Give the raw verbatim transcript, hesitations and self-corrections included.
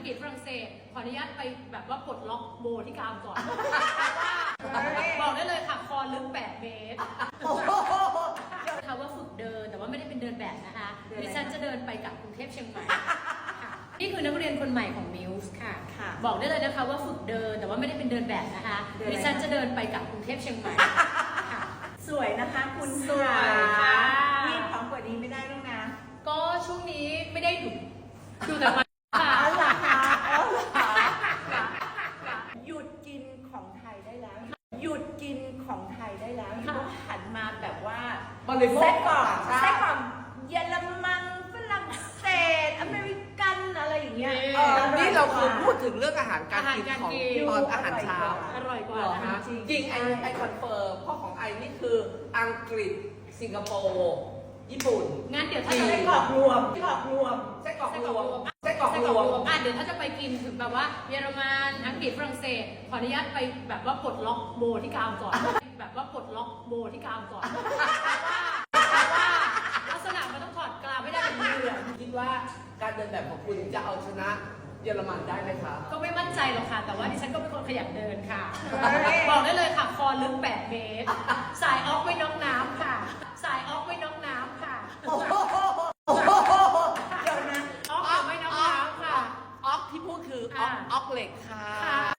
กฤษฝรั่งเศสขออนุญาตไปแบบว่าปลดล็อกโบที่กรามก่อนบอกได้เลยค่ะคอลึกแปดเมตรค่ะว่าฝึกเดินแต่ว่าไม่ได้เป็นเดินแบบนะคะดิฉันจะเดินไปกับกรุงเทพเชียงใหม่นี่คือนักเรียนคนใหม่ของมิวส์ค่ะบอกได้เลยนะคะว่าฝึกเดินแต่ว่าไม่ได้เป็นเดินแบบนะคะดิฉันจะเดินไปกับกรุงเทพเชียงใหม่สวยนะคะคุณสวยนี่พร้อมกว่านี้ไม่ได้แล้วนะก็ช่วงนี้ไม่ได้ดูดูแต่มาค่ะหยุดกินของไทยได้แล้วหยุดกินของไทยได้แล้วต้องหันมาแบบว่าไส้กรอกไส้กรอกเยอรมันฝรั่งเศสอเมริกันอะไรอย่างเงี้ยนี่เราคือพูดถึงเรื่องอาหารการกินของตอนอาหารเช้าอร่อยกว่านะคะจริงไอไอคอนเฟิร์มพ่อของไอนี่คืออังกฤษสิงคโปร์ญี่ปุ่นงั้นเดี๋ยวถ้าไส้กรอกรวมไส้กรอกรวมไส้กรอกรวมไส้กรอกรวมอ่ะเดี๋ยวถ้าจะไปกินถึงแบบว่าเยอรมันอังกฤษฝรั่งเศสขออนุญาตไปแบบว่าปลดล็อกโบที่กรามก่อนแบบว่าปลดล็อกโบที่กรามก่อนลักษณะมันต้องถอดกรามไม่ได้เป็นมือคิดว่าการเดินแบบของคุณจะเอาชนะเยอรมันได้ไหมคะก็ไม่มั่นใจหรอกค่ะแต่ว่าดิฉันก็เป็นคนขยันเดินค่ะบอกได้เลยค่ะคอลึกแปดเมตรสายออกไม่น็อกน้ำค่ะ